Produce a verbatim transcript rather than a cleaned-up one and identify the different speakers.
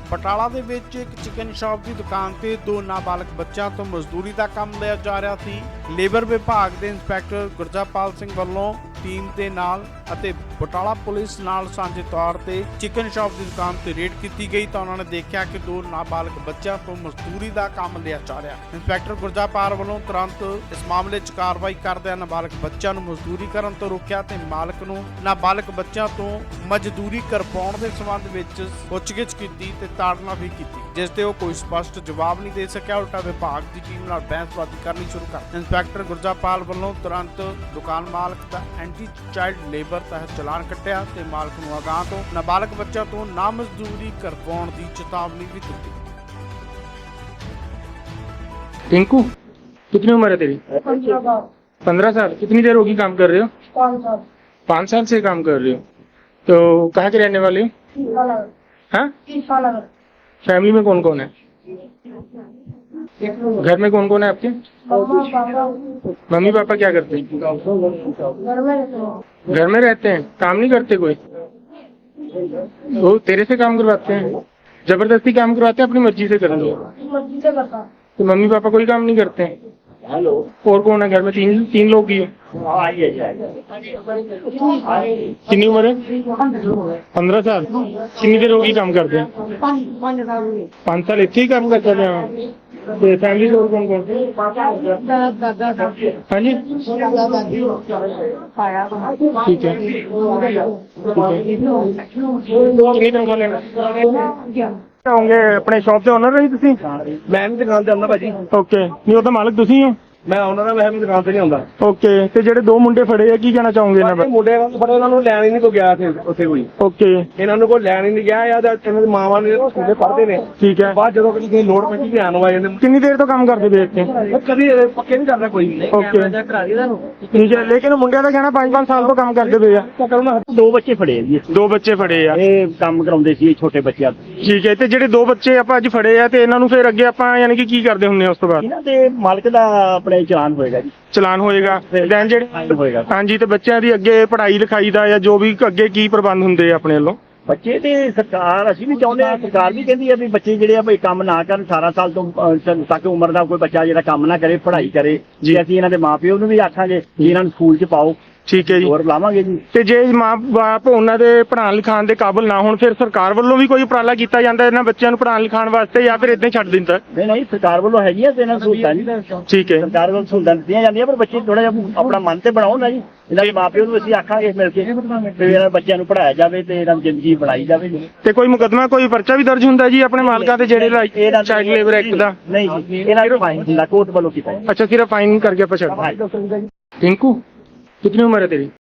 Speaker 1: ਬਟਾਲਾ ਦੇ ਵਿੱਚ ਇੱਕ ਚਿਕਨ ਸ਼ਾਪ ਦੀ ਦੁਕਾਨ ਤੇ ਦੋ ਨਾਬਾਲਗ ਬੱਚਿਆਂ ਤੋਂ ਮਜ਼ਦੂਰੀ ਦਾ ਕੰਮ ਲਿਆ ਜਾ ਰਿਹਾ ਸੀ। ਲੇਬਰ ਵਿਭਾਗ ਦੇ ਇੰਸਪੈਕਟਰ ਗੁਰਜਾਪਾਲ ਸਿੰਘ ਵੱਲੋਂ ਟੀਮ ਦੇ ਨਾਲ ਅਤੇ ਬਟਾਲਾ ਪੁਲਿਸ ਨਾਲ ਸਾਂਝੇ ਤੌਰ ਤੇ ਚਿਕਨ ਸ਼ਾਪ ਦੀ ਦੁਕਾਨ ਤੇ ਰੇਡ ਕੀਤੀ ਗਈ ਤਾਂ ਉਹਨਾਂ ਨੇ ਦੇਖਿਆ ਕਿ ਦੋ ਨਾਬਾਲਗ ਬੱਚਿਆਂ ਤੋਂ ਮਜ਼ਦੂਰੀ ਦਾ ਕੰਮ ਲਿਆ ਜਾ ਰਿਹਾ। ਇੰਸਪੈਕਟਰ ਗੁਰਜਾਪਾਲ ਵੱਲੋਂ ਤੁਰੰਤ ਇਸ ਮਾਮਲੇ 'ਚ ਕਾਰਵਾਈ ਕਰਦਿਆਂ ਨਾਬਾਲਗ ਬੱਚਿਆਂ ਨੂੰ ਮਜ਼ਦੂਰੀ ਕਰਨ ਤੋਂ ਰੋਕਿਆ ਤੇ ਮਾਲਕ ਨੂੰ ਨਾਬਾਲਗ ਬੱਚਿਆਂ ਤੋਂ ਮਜ਼ਦੂਰੀ ਕਰਵਾਉਣ ਦੇ ਸੰਬੰਧ ਵਿੱਚ ਪੁੱਛਗਿੱਛ ਕੀਤੀ ਤੇ ਤਾੜਨਾ ਵੀ ਕੀਤੀ, ਜਿਸ ਤੇ ਉਹ ਕੋਈ ਸਪਸ਼ਟ ਜਵਾਬ ਨਹੀਂ ਦੇ ਸਕਿਆ। ਉਲਟਾ ਵਿਭਾਗ ਦੀ ਟੀਮ ਨਾਲ ਬਹਿਸਬਾਜ਼ੀ ਕਰਨੀ ਸ਼ੁਰੂ ਕਰ ਇੰਸਪੈਕਟਰ ਗੁਰਜਾਪਾਲ ਵੱਲੋਂ ਤੁਰੰਤ ਦੁਕਾਨ ਮਾਲਕ ਦਾ ਐਂਟੀ ਚਾਈਲਡ ਲੇਬਰ ਤਹਿਤ ਚਲਾਨ ਕੱਟਿਆ ਤੇ ਮਾਲਕ ਨੂੰ ਅਗਾਂਹ ਤੋਂ ਨਾਬਾਲਗ ਬੱਚਿਆਂ ਤੋਂ ਨਾ ਮਜ਼ਦੂਰੀ ਕਰਵਾਉਣ ਦੀ ਚੇਤਾਵਨੀ ਵੀ ਦਿੱਤੀ।
Speaker 2: टिंकू, कितनी उम्र है तेरी? पंद्रह साल। कितनी देर होगी काम कर रहे हो?
Speaker 3: पाँच साल।
Speaker 2: पाँच साल से काम कर रहे हो, तो कहाँ के रहने वाले हो? हाँ? फैमिली में कौन कौन है? घर में कौन कौन है आपके? मम्मी पापा क्या करते हैं? घर में रहते हैं, काम नहीं करते कोई? वो तेरे से काम करवाते हैं? जबरदस्ती काम करवाते हैं, अपनी मर्जी से कर लो?
Speaker 3: मर्जी से करता।
Speaker 2: तो मम्मी पापा कोई काम नहीं करते हैं?
Speaker 4: हेलो,
Speaker 2: और कौन है घर में? तीन तीन लोग ही है।
Speaker 4: आइए
Speaker 2: कितनी उम्र है? पंद्रह साल। कितनी देर होगी काम करते हैं? पाँच साल इतने ही काम करते हैं। तो फैमिली से और कौन कौन? हाँ जी, ठीक है, कितनी तनख्वाह लेना होंगे? अपने शॉप से ओनर रही तुसी?
Speaker 4: मैं भी दुकान ਤੇ ਆਉਂਦਾ ਭਾਜੀ।
Speaker 2: ओके, नहीं वो तो मालिक तुसी हो?
Speaker 4: ਮੈਂ ਉਹਨਾਂ ਦਾ ਮੈਂ ਵੀ ਦੁਕਾਨ ਤੇ ਨਹੀਂ ਆਉਂਦਾ।
Speaker 2: ओके, ਤੇ ਜਿਹੜੇ ਦੋ ਮੁੰਡੇ ਫੜੇ ਆ ਕੀ ਕਹਿਣਾ ਚਾਹੋਗੇ ਇਹਨਾਂ ਬਾਰੇ?
Speaker 4: ਮੁੰਡੇ ਨਾਲ ਬੜੇ ਉਹਨਾਂ ਨੂੰ ਲੈਣ ਹੀ ਨਹੀਂ ਕੋ ਗਿਆ ਸੀ ਉੱਥੇ ਕੋਈ।
Speaker 2: ओके,
Speaker 4: ਇਹਨਾਂ ਨੂੰ ਕੋਈ ਲੈਣ ਹੀ ਨਹੀਂ ਗਿਆ ਯਾਰ, ਇਹਨਾਂ ਦੀ ਮਾਵਾਂ ਨੇ ਸਕੂਲੇ ਪੜ੍ਹਦੇ ਨੇ।
Speaker 2: ਠੀਕ ਹੈ।
Speaker 4: ਬਾਅਦ ਜਦੋਂ ਕਿਸੇ ਲੋੜ ਪੈਂਦੀ ਧਿਆਨ ਆ ਜਾਂਦੇ।
Speaker 2: ਕਿੰਨੀ ਦੇਰ ਤੋਂ ਕੰਮ ਕਰਦੇ ਪਏ ਇੱਥੇ?
Speaker 4: ਕਦੀ ਪੱਕੇ ਨਹੀਂ ਕਰਦਾ ਕੋਈ ਵੀ।
Speaker 2: ओके, ठीक है, लेकिन ਮੁੰਡਿਆਂ ਦਾ ਕਹਿਣਾ ਪੰਜ ਪੰਜ ਸਾਲ ਤੋਂ ਕੰਮ ਕਰਦੇ ਪਏ ਆ।
Speaker 4: ਦੋ ਬੱਚੇ ਫੜੇ ਜੀ,
Speaker 2: ਦੋ ਬੱਚੇ ਫੜੇ ਆ।
Speaker 4: ਇਹ ਕੰਮ ਕਰਾਉਂਦੇ ਸੀ ਛੋਟੇ ਬੱਚਿਆਂ ਤੋਂ।
Speaker 2: ਠੀਕ ਹੈ, ਤੇ ਜਿਹੜੇ ਦੋ ਬੱਚੇ ਆਪਾਂ ਅੱਜ ਫੜੇ ਆ ਤੇ ਇਹਨਾਂ ਨੂੰ ਫਿਰ ਅੱਗੇ ਆਪਾਂ ਯਾਨੀ ਕਿ ਕੀ ਕਰਦੇ ਹੁੰਦੇ ਆ ਉਸ ਤੋਂ ਬਾਅਦ?
Speaker 4: ਇਹਨਾਂ ਦੇ ਮਾਲਕ ਦਾ ਆਪਣੇ ਚਲਾਨ ਹੋਏਗਾ ਜੀ।
Speaker 2: ਚਲਾਨ ਹੋਏਗਾ। ਦੈਨ ਜਿਹੜੇ
Speaker 4: ਹੋਏਗਾ।
Speaker 2: ਹਾਂਜੀ, ਤੇ ਬੱਚਿਆਂ ਦੀ ਅੱਗੇ ਪੜ੍ਹਾਈ ਲਿਖਾਈ ਦਾ ਜਾਂ ਜੋ ਵੀ ਅੱਗੇ ਕੀ ਪ੍ਰਬੰਧ ਹੁੰਦੇ ਆ ਆਪਣੇ ਵੱਲੋਂ?
Speaker 4: ਬੱਚੇ ਤੇ ਸਰਕਾਰ, ਅਸੀਂ ਵੀ ਚਾਹੁੰਦੇ ਹਾਂ, ਸਰਕਾਰ ਵੀ ਕਹਿੰਦੀ ਆ ਵੀ ਬੱਚੇ ਜਿਹੜੇ ਆ ਵੀ ਕੰਮ ਨਾ ਕਰਨ, ਅਠਾਰਾਂ ਸਾਲ ਤੋਂ ਅਹ, ਤੱਕ ਉਮਰ ਦਾ ਕੋਈ ਬੱਚਾ ਜਿਹੜਾ ਕੰਮ ਨਾ ਕਰੇ, ਪੜ੍ਹਾਈ ਕਰੇ ਜੀ। ਅਸੀਂ ਇਹਨਾਂ ਦੇ ਮਾਪਿਓ ਨੂੰ ਵੀ ਆਖਾਂਗੇ ਕਿ ਇਹਨਾਂ ਨੂੰ ਸਕੂਲ 'ਚ ਪਾਓ।
Speaker 2: ਠੀਕ ਹੈ ਜੀ,
Speaker 4: ਹੋਰ ਬੁਲਾਵਾਂਗੇ ਜੀ।
Speaker 2: ਤੇ ਜੇ ਮਾਂ ਬਾਪ ਉਹਨਾਂ ਦੇ ਪੜ੍ਹਾਉਣ ਲਿਖਾਉਣ ਦੇ ਕਾਬਿਲ ਨਾ ਹੋਣ ਫਿਰ ਸਰਕਾਰ ਵੱਲੋਂ ਵੀ ਕੋਈ ਉਪਰਾਲਾ ਕੀਤਾ ਜਾਂਦਾ ਇਹਨਾਂ ਬੱਚਿਆਂ ਨੂੰ ਪੜ੍ਹਾਉਣ ਲਿਖਾਉਣ ਵਾਸਤੇ ਜਾਂ ਫਿਰ ਇਦਾਂ ਹੀ ਛੱਡ ਦਿੰਦਾ?
Speaker 4: ਨਹੀਂ ਨਹੀਂ, ਸਰਕਾਰ ਵੱਲੋਂ ਹੈਗੀਆਂ ਤੇ ਇਹਨਾਂ ਨੂੰ ਸਹੂਲਤਾਂ ਨਹੀਂ।
Speaker 2: ਠੀਕ ਹੈ,
Speaker 4: ਸਰਕਾਰ ਵੱਲੋਂ ਸਹੂਲਤਾਂ ਦਿੱਤੀਆਂ ਜਾਂਦੀਆਂ, ਪਰ ਬੱਚੇ ਥੋੜਾ ਜਿਹਾ ਆਪਣਾ ਮਨ ਤੇ ਬਣਾਓ ਨਾ ਜੀ। ਇਹਨਾਂ ਦੇ ਮਾਪਿਓ ਨੂੰ ਅਸੀਂ ਆਖਾਂਗੇ ਮਿਲ ਕੇ ਵੀ ਇਹਨਾਂ ਬੱਚਿਆਂ ਨੂੰ ਪੜ੍ਹਾਇਆ ਜਾਵੇ ਤੇ ਇਹਨਾਂ ਦੀ ਜ਼ਿੰਦਗੀ ਬਣਾਈ ਜਾਵੇ।
Speaker 2: ਤੇ ਕੋਈ ਮੁਕੱਦਮਾ ਕੋਈ ਪਰਚਾ ਵੀ ਦਰਜ ਹੁੰਦਾ ਜੀ ਆਪਣੇ ਮਾਲਕਾਂ ਤੇ ਜਿਹੜੇ ਚਾਈਲਡ ਲੇਬਰ ਐਕਟ ਦਾ?
Speaker 4: ਨਹੀਂ ਜੀ, ਇਹਨਾਂ ਨੂੰ ਫਾਈਨ ਹੁੰਦਾ, ਕੋਰਟ ਵੱਲੋਂ ਕੀਤਾ।
Speaker 2: ਅੱਛਾ, ਸਿਰਫ ਫਾਈਨ ਕਰਕੇ ਆਪਾਂ ਛੱਡ। टिंकू, कितनी उम्र है तेरी?